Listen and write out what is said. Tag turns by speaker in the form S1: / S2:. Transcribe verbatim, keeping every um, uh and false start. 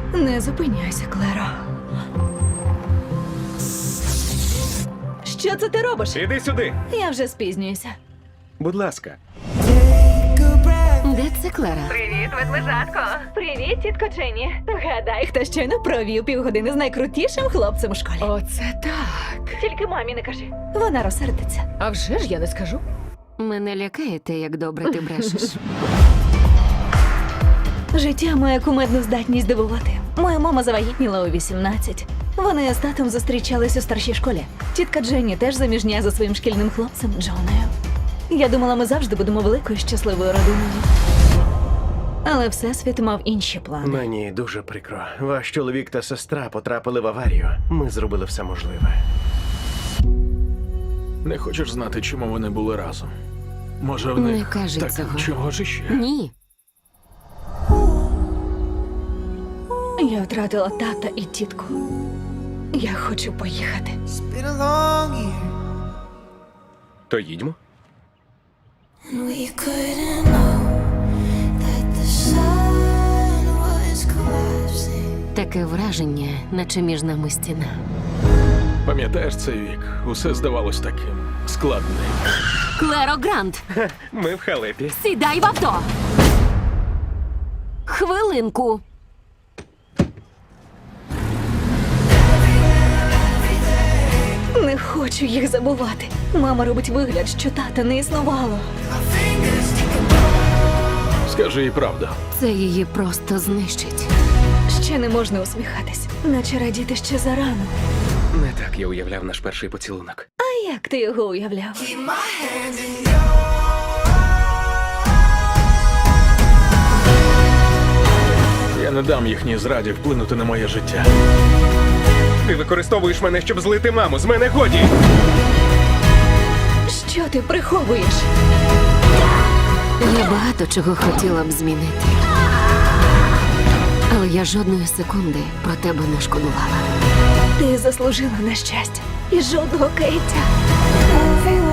S1: Не зупиняйся, Клеро. Що це ти робиш?
S2: Іди сюди.
S1: Я вже спізнююся.
S2: Будь ласка.
S3: Де це Клера?
S1: Привіт, ведмежатко. Привіт, тітко Дженні. Гадай, хто щойно провів півгодини з найкрутішим хлопцем у школі.
S3: Оце так.
S1: Тільки мамі не кажи. Вона розсердиться.
S3: А вже ж я не скажу. Мене лякає те, як добре ти брешеш.
S1: Життя має кумедну здатність дивувати. Моя мама завагітніла у вісімнадцять. Вони з татом зустрічались у старшій школі. Тітка Дженні теж заміжня за своїм шкільним хлопцем Джоною. Я думала, ми завжди будемо великою щасливою родиною. Але Всесвіт мав інші плани.
S2: Мені дуже прикро. Ваш чоловік та сестра потрапили в аварію. Ми зробили все можливе.
S4: Не хочеш знати, чому вони були разом? Може, в
S3: Не
S4: них
S3: кажи
S4: так
S3: цього.
S4: чого ж іще?
S3: Ні.
S1: Я втратила тата і тітку. Я хочу поїхати.
S5: It's been a long year,
S2: То їдьмо.
S5: and we couldn't know that the sun was collapsing.
S3: Таке враження, наче між нами стіна.
S4: Пам'ятаєш цей вік? Усе здавалось таким складним.
S3: Клеро Грант,
S2: Ми в халепі.
S3: сідай в авто! Хвилинку.
S1: Не хочу їх забувати. Мама робить вигляд, що тата не існувало.
S4: Скажи їй правду.
S3: Це її просто знищить.
S1: Ще не можна усміхатись, наче радіти ще зарано.
S2: Не так я уявляв наш перший поцілунок.
S1: А як ти його уявляв?
S4: Я не дам їхній зраді вплинути на моє життя.
S2: Ти використовуєш мене, щоб злити маму. З мене годі!
S1: Що ти приховуєш?
S3: Я багато чого хотіла б змінити. Але я жодної секунди про тебе не шкодувала.
S1: Ти заслужила на щастя і жодного каяття.
S5: Everyone